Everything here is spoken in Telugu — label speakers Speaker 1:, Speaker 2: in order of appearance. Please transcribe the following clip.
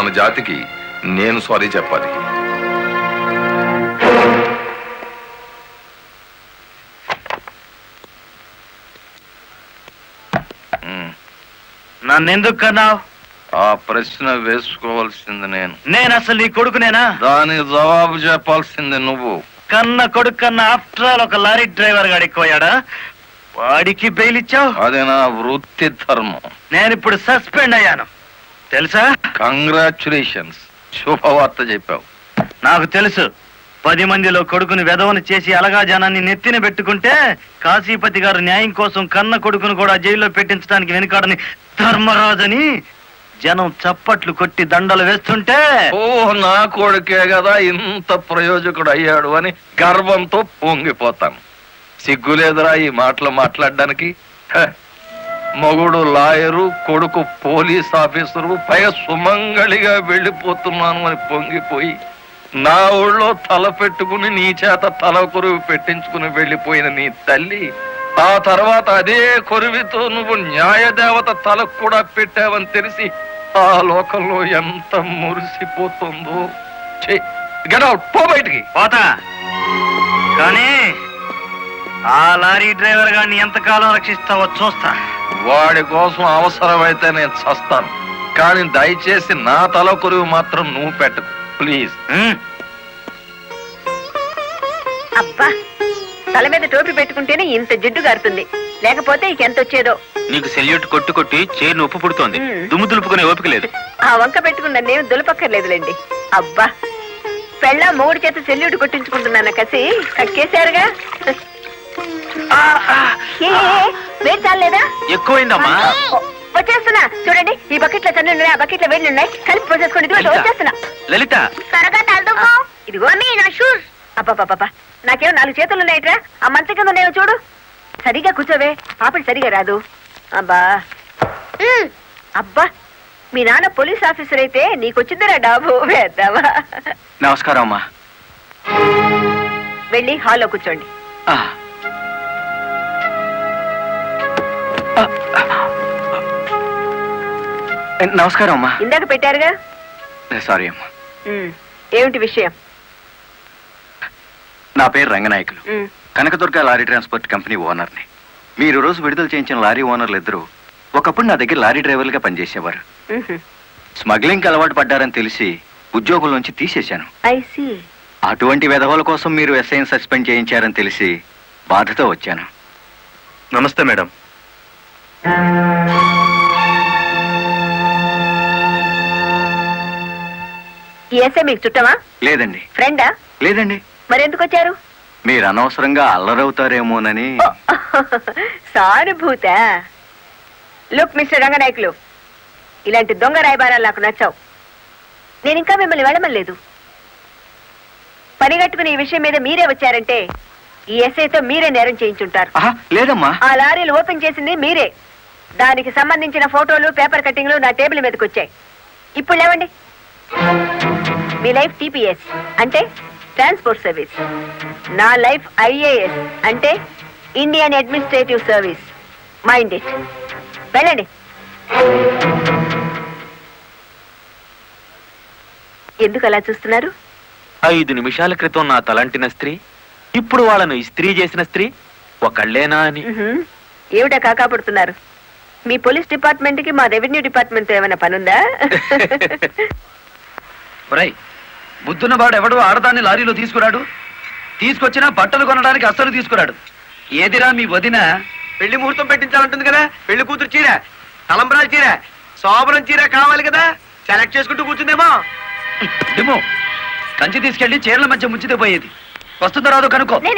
Speaker 1: మన జాతికి నేను సారీ చెప్పాలి.
Speaker 2: నన్నెందుకు కన్నావు?
Speaker 3: ఆ ప్రశ్న వేసుకోవాల్సింది నేను
Speaker 2: అసలు నీ కొడుకునేనా?
Speaker 3: దానికి జవాబు చెప్పాల్సింది నువ్వు.
Speaker 2: కన్న కొడుకు కన్నా ఆఫ్టర్ ఆల్ ఒక లారీ డ్రైవర్ గాడు ఎక్కువయ్యాడా? వాడికి బెయిల్ ఇచ్చావు.
Speaker 3: అది నా వృత్తి ధర్మం.
Speaker 2: నేనిప్పుడు సస్పెండ్ అయ్యాను తెలుసా?
Speaker 3: కంగ్రాచులేషన్స్, శుభవార్త చెప్పావు.
Speaker 2: నాకు తెలుసు. 10 మందిలో కొడుకుని వెధవను చేసి అలగా జనాన్ని నెత్తిన పెట్టుకుంటే కాశీపతి గారు న్యాయం కోసం కన్న కొడుకును కూడా జైల్లో పెట్టించడానికి వెనుకాడని ధర్మరాజని జనం చప్పట్లు కొట్టి దండలు వేస్తుంటే
Speaker 3: నా కొడుకే కదా ఇంత ప్రయోజకుడు అయ్యాడు అని గర్వంతో పొంగిపోతాను. సిగ్గులేదురా ఈ మాటలు మాట్లాడడానికి? మగుడు లాయరు, కొడుకు పోలీస్ ఆఫీసరు, పైగా సుమంగళిగా వెళ్ళిపోతున్నాను అని పొంగిపోయి నా ఊళ్ళో తల పెట్టుకుని నీ చేత తల కొరువు పెట్టించుకుని వెళ్ళిపోయిన నీ తల్లి ఆ తర్వాత అదే కొరువితో నువ్వు న్యాయదేవత తలకు కూడా పెట్టావని తెలిసి ఆ లోకంలో ఎంత మురిసిపోతుందో. గెట్ అవుట్, పో బయటికి.
Speaker 2: పోతా, కానీ ఆ లారీ డ్రైవర్ గారిని ఎంతకాలం రక్షిస్తావో చూస్తా.
Speaker 3: వాడి కోసం అవసరమైతే నేను చస్తాను, కానీ దయచేసి నా తల కొరువు మాత్రం నువ్వు పెట్టకు ప్లీజ్.
Speaker 4: అబ్బా, తల మీద టోపీ పెట్టుకుంటేనే ఇంత జిడ్డు గారుతుంది, లేకపోతే ఇంకెంత వచ్చేదో.
Speaker 2: నీకు సెల్యూట్ కొట్టు కొట్టి చేరు ఉప్పు పుడుతోంది, దుమ్ము దులుపుకునే ఓపిక లేదు.
Speaker 4: ఆ వంక పెట్టుకున్న నేను దులపక్కర్లేదులేండి. అబ్బా, పెళ్ళ మూడు చేత సెల్యూట్ కొట్టించుకుంటున్నాను కసి కక్కేశారుగా. వేడి చాలేదా?
Speaker 2: ఎక్కువైందమ్మా.
Speaker 4: వచ్చేస్తున్నా చూడండి, ఈ బకెట్ లో తన్ను ఉన్నాయి, ఆ బకెట్ లో వేడి ఉన్నాయి, కలిపి పోసేసుకోండి. వచ్చేస్తున్నా.
Speaker 2: లలిత,
Speaker 4: త్వరగా తలదుకో. ఇదిగో నా షూస్. అబ్బా, నాకేమో 4 చేతులు ఉన్నాయిట్రా, ఆ మంచం కింద ఉన్నాయో చూడు. సరిగా కూర్చోవే, పాపడి సరిగా రాదు. అబ్బా అబ్బా, మీ నాన్న పోలీస్ ఆఫీసర్ అయితే నీకొచ్చిందిరా డాబు. వేద్దావా?
Speaker 2: నమస్కారం అమ్మా.
Speaker 4: వెళ్ళి హాల్లో కూర్చోండి.
Speaker 2: నమస్కారం అమ్మా.
Speaker 4: ఇందాక పెట్టారుగా.
Speaker 2: సారీ అమ్మా.
Speaker 4: ఏమిటి విషయం?
Speaker 2: నా పేరు Ranganayakulu, Kanakadurga lorry transport company ఓనర్ని. మీరు రోజు విడుదల చేయించిన లారీ ఓనర్లు ఇద్దరు ఒకప్పుడు నా దగ్గర లారీ డ్రైవర్లుగా పనిచేసేవారు. స్మగ్లింగ్ అలవాటు పడ్డారని తెలిసి ఉద్యోగుల నుంచి తీసేశాను. అటువంటి వెధవల కోసం మీరు ఎస్ఐని సస్పెండ్ చేయించారని తెలిసి బాధతో వచ్చాను. నమస్తే మేడం.
Speaker 4: ఈ ఎస్ఐ మీకు చుట్టమా?
Speaker 2: లేదండి.
Speaker 4: ఫ్రెండా?
Speaker 2: లేదండి.
Speaker 4: మరెందుకు వచ్చారు?
Speaker 2: మీరు అనవసరంగా అల్లరవుతారేమోనని.
Speaker 4: సానుభూత. లుక్ మిస్టర్ రంగనాయకులు, ఇలాంటి దొంగ రాయబారాలు నాకు నచ్చావు. నేను ఇంకా మిమ్మల్ని వెళ్ళమలేదు. పనిగట్టుకుని ఈ విషయం మీద మీరే వచ్చారంటే ఈ ఎస్ఐతో మీరే నేరం చేయించుంటారు.
Speaker 2: లేదమ్మా,
Speaker 4: ఆ లారీలు ఓపెన్ చేసింది మీరే. దానికి సంబంధించిన ఫోటోలు, పేపర్ కట్టింగ్లు నా టేబుల్ మీదకి వచ్చాయి. ఇప్పుడు లేవండి. మీ లైఫ్ టీపీఎస్ అంటే ట్రాన్స్పోర్ట్ సర్వీస్, నా లైఫ్ ఐఏఎస్ అంటే Indian administrative service. Mind it. వెళ్ళండి. ఎందుకు అలా చూస్తున్నారు?
Speaker 2: 5 నిమిషాల క్రితం నా తలంటిన స్త్రీ ఇప్పుడు వాళ్ళను ఇస్త్రీ చేసిన స్త్రీ ఒకళ్ళేనా అని.
Speaker 4: ఏమిటా కాకాపడుతున్నారు? మీ పోలీస్ డిపార్ట్మెంట్ కి మా రెవెన్యూ డిపార్ట్మెంట్ ఏమైనా పనుందా?
Speaker 5: బుద్ధున్న వాడు ఎవడు ఆడదాన్ని లారీలో తీసుకురాడు, తీసుకొచ్చినా బట్టలు కొనడానికి అస్సలు తీసుకురాడు. ఏదిరా మీ వదిన పెళ్లి ముహూర్తం పెట్టించాలంటుంది కదా, పెళ్లి కూతురు చీర, తలంబ్రాల చీర, శోభనం చీర కావాలి కదా, సెలెక్ట్ చేసుకుంటూ కూర్చుందేమో. కంచి తీసుకెళ్లి చీరల మధ్య ముంచితే పోయేది. వస్తుందో రాదో కనుక్కో.